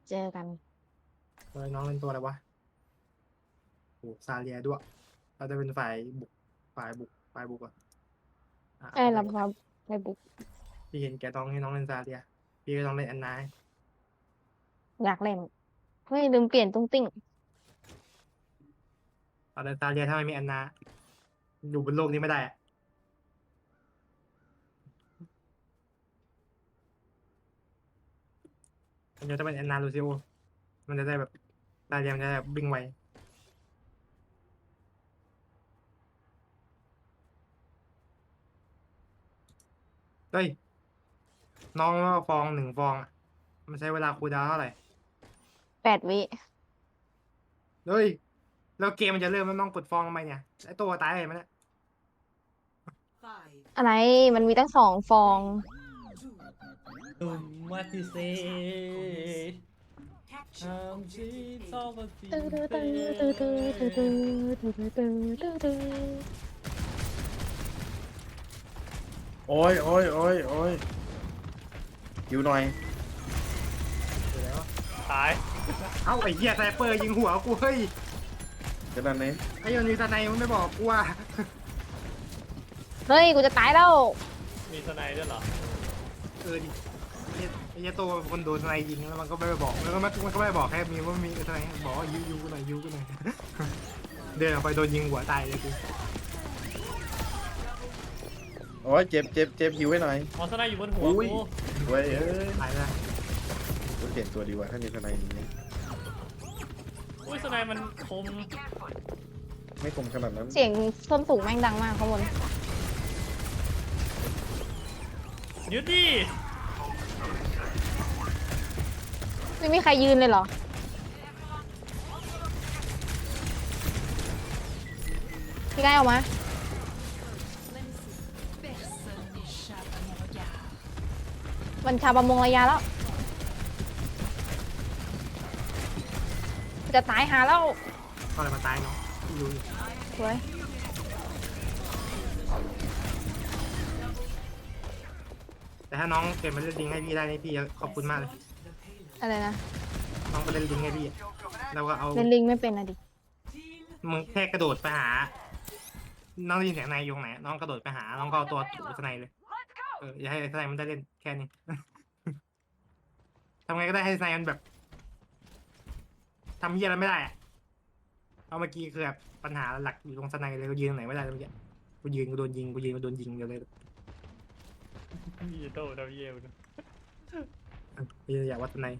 เจอกันน้องเป็นตัวอะไรวะโอ้ซาเลียด้วยเราจะเป็นฝ่ายบุกอ่ะใช่รับครับไปบุกพี่เห็นแกต้องให้น้องเล่นซาเลียพี่ก็ต้องเล่นแอนนาอยากเล่นเฮ้ยลืมเปลี่ยนตุ้งติ้งเอาแต่ซาเลียถ้าไม่มีแอนนาอยู่บนโลกนี้ไม่ได้อะมันจะเป็นแอนนาลูซิโอมันจะได้แบบซาเลียมันจะได้แบบวิ่งไวเฮ้ยน้องว่าฟอง1 ฟองอะมันใช้เวลาคูลดาวน์เท่าไหร่ 8 วิเฮ้ยแล้วเกมมันจะเริ่มแล้วน้องกดฟองทำไมเนี่ยไอตัวตายเห็นไหมเนี่ยอะไรมันมีตั้ง2 ฟองตุมมาติเซทำชีซอฟติตื้อตื้อเตตื้อตื้อตื้อตื้อตื้อตื้อตื้อตื้อตื้อโอ้ยโอ้ยโอ้ยโอ้ยหิวหน่อยอยู่แล้วตายเอ้าไอ้เหี้ยไซเปอร์ยิงหัวกูเฮ้ยจะนั่นเองไอ้ยันมีตาในมึงไม่บอกกูว่าเฮ้ยกูจะตายแล้วมีสไนด์ด้วยเหรอดิไอ้เหี้ยโตเป็นคนโดนทนายยิงแล้วมันก็ไม่ไปบอกแล้วก็มันก็ไม่บอกแค่มีว่ามีทนายบอกว่ายูกูหน่อยยูกูหน่อย เดินออกไปโดนยิงหัวตายเลยกูโอ้ยเจ็บเจ็บเจ็บหิวไว้หน่อยมอสไนด์อยู่บนหัวอุ้ยกูเว้ยเอ้ยตายแล้วกูเปลี่ยนตัวดีกว่าถ้ามีทนายอย่างนี้อุ้ยสไนด์มันคมไม่คมขนาดนั้นเสียงส้นสูงแม่งดังมากข้างบนยึดดิไม่มีใครยืนเลยเหรอพี่ไก่ออกมามันชาประมงระยะแล้วจะตายหาแล้วก็เลยมาตายเนาะยูสวยแต่ถ้าน้องเปลี่ยนมาเล่นลิงให้พี่ได้นี่พี่จะขอบคุณมากเลยอะไรนะน้องไปเล่นลิงให้พี่แล้วก็เอาเล่นลิงไม่เป็นอะดิมึงแค่กระโดดไปหาน้องได้ยินเสียงนายอยู่ไหนน้องกระโดดไปหาน้องก็เอาตัวถูสไนเลยอย่าให้สไนมันได้เล่นแค่นี้ ทำไงก็ได้ให้สไนมันแบบทำเหี้ยอะไรไม่ได้อะเอาเมื่อกี้คือแบบปัญหาหลักอยู่ตรงสไนเลยก็ยืนตรงไหนไม่ได้เลยเมื่อกี้กูยืนกูโดนยิงกูยืนกูโดนยิงเดี๋ยวเลยมีโตดาวเยลนะพี่อยากวัดสไน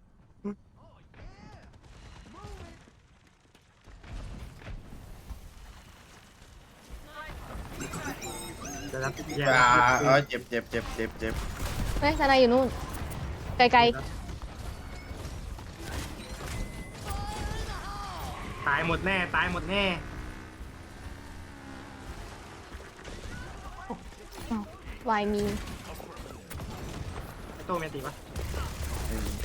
จะรับแย่เออเจ็บเจ็บเจ็บเจ็บเจ็บเฮ้ยทนายอยู่นู่น ไกลตายหมดแน่ตายหมดแน่ๆวายมีไอโตเมติปะอืม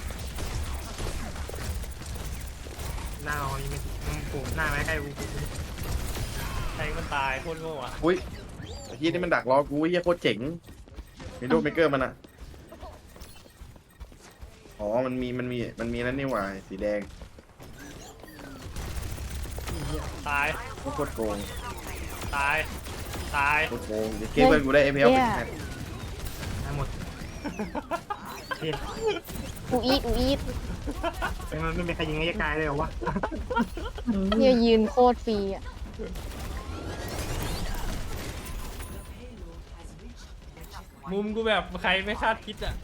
หน้าเรายังไม่มึงปูหน้าไม่ใกล้กูแทงมันตายโคตรโง่อะอุ้ยไอ้ที่นี่มันดักรอกูไอ้เหี้ยโคตรเจ๋งมีโดเมเกอร์มันอ่ะอ๋อมันมีนั่นนี่หว่าสีแดงตายโคตรโกงตาย ตายโคตรโกงเดี๋ยวเกมเพื่อนกูได้เอฟเอลเป็นแพทตายหมดเฮ้ยอูอีดอูอีดมันไม่มีใครยิงไอ้กายเลยเหรอวะเนี่ยยืนโคตรฟรีอ่ะมุมกูแบบใครไม่คาดคิดอะ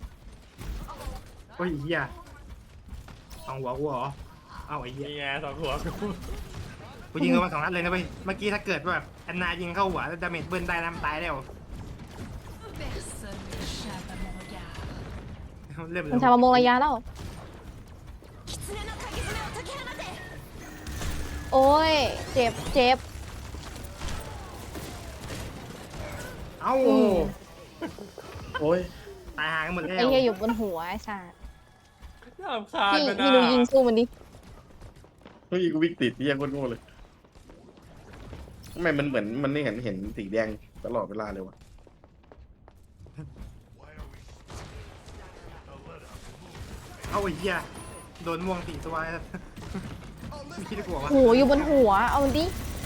โอ้ยเหี้ยสองหัวกูเหรอเอ้าไอ้เหี้ยนี่ไงสองหัวกูกูยิงเข้ามา2 นัดเลยนะเว้ยเมื่อกี้ถ้าเกิดว่าแบบแอนนายิงเข้าหัวแล้วดาเมจเบิ้ลได้นะมันตายแล้วเริ่มมันชาประมงระยะแล้ว โอ้ย เจ็บเจ็บเอ้าโอ้ยตายหากันหมดแล้วไอ้เหี้ยอยู่บนหัวไอ้สัสน่ารำคาญพี่มันพี่ดูยิงสู้มันดิเฮ้ยกูวิ่งติดเหี้ยโคตรโง่เลยทำไมมันเหมือนมันนี่เห็นสีแดงตลอดเวลาเลยวะเอาไอ้เหี้ยโดนม่วง4 ตัวไม่คิดจะกลัววะโหอยู่บนหัวเอามันดิ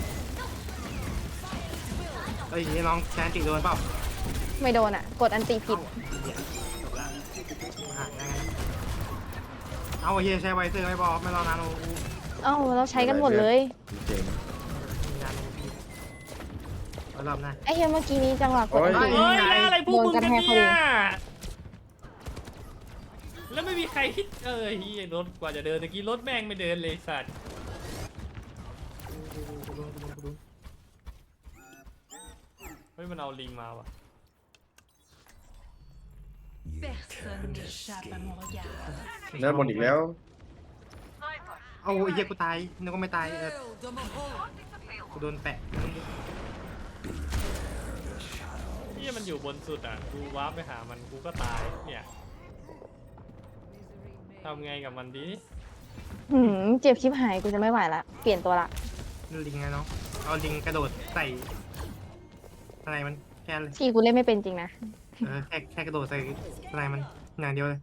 เอ้ยน้องแซนติโดนเปล่าไม่โดนอ่ะกดอันตีผิดหาได้ไงเอาไอ้เหี้ยใช้ไวเซอร์ไม่พอไม่รอนานโอ้โหเอ้าเราใช้กันหมดเลยเจ๋งมีนานโอ้พี่เอารอบหน้าไอ้เฮียเมื่อกี้นี้จังหวะกดอันโอ้ตีเฮ้ยแล้วอะไรพวกมึงกันโดนกระแทกเนี่เขายเลยแล้วไม่มีใครคิดเฮียรถกว่าจะเดินตะกี้รถแม่งไม่เดินเลยสัตว์เฮ้ยมันเอาลิงมาว่ะ Personne n'échappe à mon regard. เนื้อบนอีกแล้วเอาไอ้เหี้ยกูตายนึกว่าไม่ตายกูโดนแปะเฮียมันอยู่บนสุดอ่ะกูว้าร์ปไปหามันกูก็ตายเนี่ยทำไงกับมันดีเจ็บชิบหายกูจะไม่ไหวละเปลี่ยนตัวละลิงไงน้องเอาลิงกระโดดใส่อะไรมันแค่เลยที่กูเล่นไม่เป็นจริงนะแค่กระโดดใส่อะไรมันอย่างเดียวเลย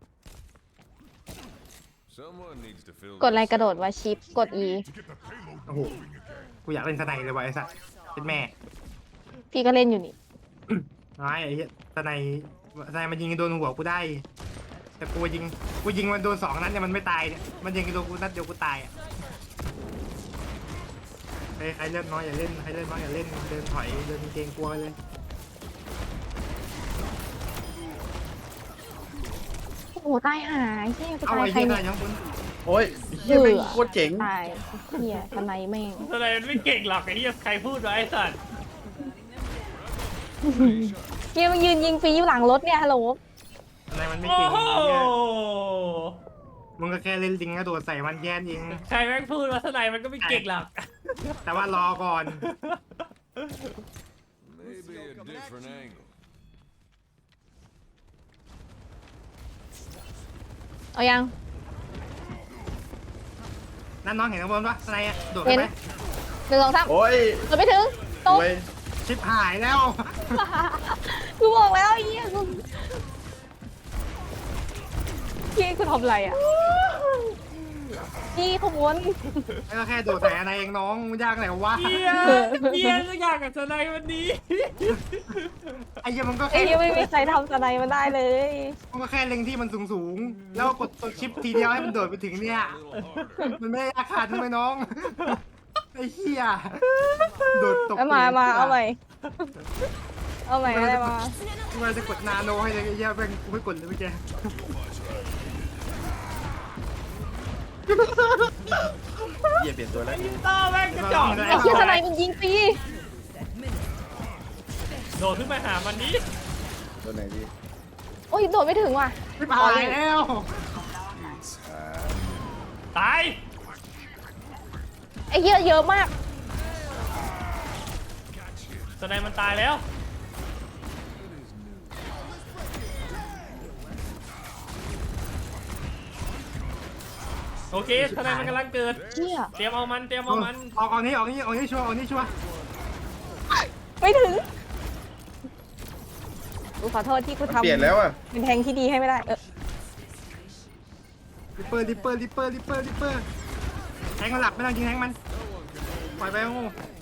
Someone needs to fill กดอะไรกระโดดว่าชิปกด E โอ้โหกูอยากเล่นสไนเลยว่ะไอ้สัสเป็นแม่พี่ก็เล่นอยู่นี่ร้ายไอ้เหี้ยสไนมันยิงโดนหัวกูได้ แต่กูยิงมันโดน2 นัดเนี่ยมันไม่ตายเนี่ยมันยิงโดนกูนัดเดียวกูตายอ่ะใครเล่นน้อยอย่าเล่นใครเล่นน้อยอย่าเล่นเดินถอยเดินเกรงกลัวเลยโอ้โหตายหายเฮียกูเอาตายไอ้ใครเหี้ยเนี่ยยังบนโอ้ยเฮียแม่งโคตรเจ๋งตายเฮียทำไมแม่งอะไรมันไม่เก่งหรอกไอ้เฮียใครพูดวะไอ้สัตว์เฮียมันยืนยิงฟรีอยู่หลังรถเนี่ยฮัลโหลอะไรมันไม่โอ้เก่งโหไอ้เหี้ยมึงก็แค่เล่นลิงกระโดดใส่มันแย่นเองใครแม่งพูดว่าทนายมันก็ไม่เก่งหรอกแต่ว่ารอก่อน maybe a different angle. เอายังนั่นน้องเห็นข้างบนปะอะไรอะโดดเห็ไปน 1 2 3 โอ้ยกดไม่ถึงตกเว้ยชิบหายแล้วกูบอกแล้วไอ้เหี้ยกูพี่กูทำอะไรอ่ะพี่ขบวนแล้วก็แค่โดดใส่อะไรเองน้องมันยากไหนวะเฮียเฮียสักอย่างกับทนายวันนี้ไอ้เหี้ยมันก็ไอ้แค่เหี้ยไม่มีใครทำสไนมันได้เลยมันก็แค่เล็งที่มันสูงๆแล้วกดตัวชิปทีเดียวให้มันโดดไปถึงเนี่ย มันไม่ได้ยากขาดใช่ไหมน้อง ไอ้เหี้ยโดดตกเอามาเอาใหม่เอาใหม่อะไรมามันจะกดนาโนให้เลยไอ้เหี้ยแม่งกูไม่กดเลยเมื่อกี้เฮียเปลี่ยนตัวแล้วต่อแม่งกระจอกไอ้เหี้ยสไนมันยิงฟรีโดดขึ้นไปหามันนี้ตัวไหนดีโอ้ยโดดไม่ถึงว่ะชิบหายแล้วตายไอ้เหี้ยเยอะมากทนายมันตายแล้วโอเคทนายมันกำลังเกิดเหี้ยเตรียมเอามันเตรียมเอามันออกนี้ชัวร์ไม่ถึงกูขอโทษที่กูมันทำเปลี่ยนแล้วอ่ะเป็นแทงที่ดีให้ไม่ได้ริปเปอร์แทงมันหลับไม่ต้องยิงแทงมันปล่อยไปโง่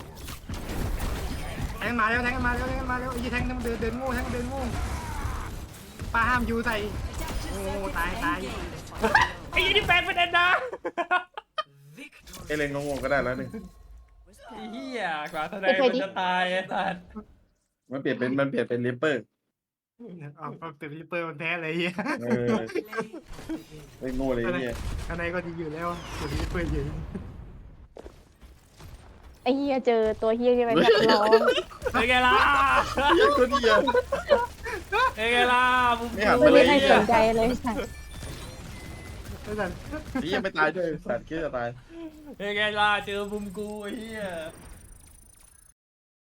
แทงมาแล้วไอ้ยี่แทงมันเดินโง่แทงเดินโง่ป้าห้ามยูใส่โอ้ตายไอ้ยี่นี่แปลงเป็นแอนนาไอเลนงงๆก็ได้แล้วนี่ไอ้เหี้ยกว่าทนายมันจะตายไอ้สัสมันเปลี่ยนเป็นลิปเปอร์ออกเป็นริปเปอร์มันแพ้เลยเฮียเออไม่โง่เลยเนี่ยข้างในก็ดีอยู่แล้วตัวริปเปอร์อยู่ไอ้เหี้ยเจอตัวเหี้ยที่เป็นนักร้องเป็นไงล่ะเหี้ยตัวเดียวเป็นไงล่ะมึงไม่หันไม่ปมีเลยใครสนใจเลยสัตว์ไม่สั่นนี่ยังไม่ตายด้วยสัตว์คิดจะตายเป็นไงล่ะเจอมุมกูไอ้เหี้ย